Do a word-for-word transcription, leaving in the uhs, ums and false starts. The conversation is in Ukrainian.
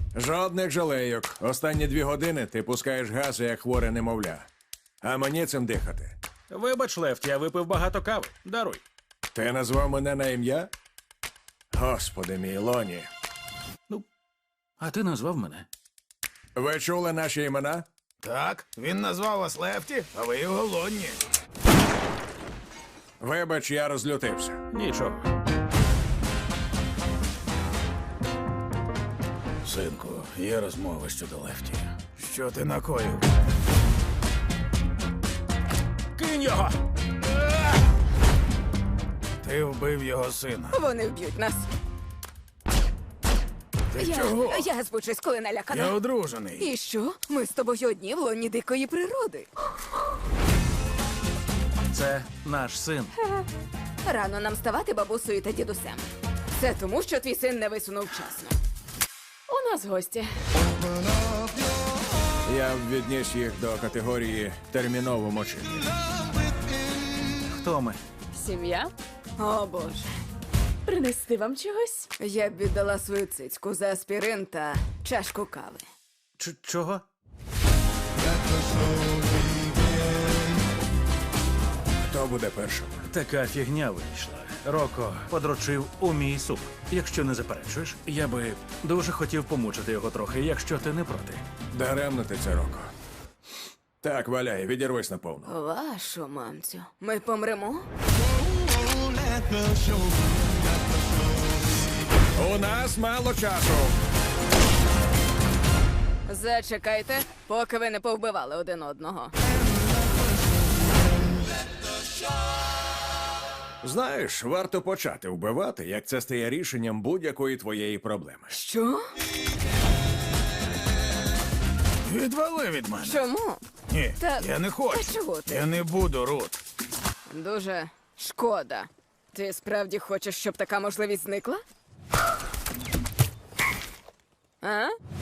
Жодних жалейок. Останні дві години ти пускаєш гази, як хворе немовля. А мені цим дихати. Вибач, Лефті, я випив багато кави. Даруй. Ти назвав мене на ім'я? Господи мій, Лоні. Ну, а ти назвав мене. Ви чули наші імена? Так, він назвав вас Лефті, а ви його Лонні. Вибач, я розлютився. Нічого. Синку, є розмова щодо Лефті. Що ти накоїв? Кинь його! Ти вбив його сина. Вони вб'ють нас. Ти Я, чого? я збучусь, коли налякана. Я одружений. І що? Ми з тобою одні в лоні дикої природи. Це наш син. Рано нам ставати бабусею та дідусем. Це тому, що твій син не висунув вчасно. У нас гості. Я б відніс їх до категорії терміново мочити. Хто ми? Сім'я? О, Боже. Принести вам чогось? Я б віддала свою цицьку за аспірин та чашку кави. Ч- чого? Хто буде першим? Така фігня вийшла. Роко подрочив у мій суп. Якщо не заперечуєш, я би дуже хотів помучити його трохи, якщо ти не проти. Даремно ти це, Роко. Так, валяй, відірвись наповну. Вашу мамцю. Ми помремо? У нас мало часу. Зачекайте, поки ви не повбивали один одного. Знаєш, варто почати вбивати, як це стає рішенням будь-якої твоєї проблеми. Що? Відвали від мене. Чому? Ні, Та- я не хочу. та чого ти? Я не буду, Рут. Дуже шкода. Ти справді хочеш, щоб така можливість зникла? А?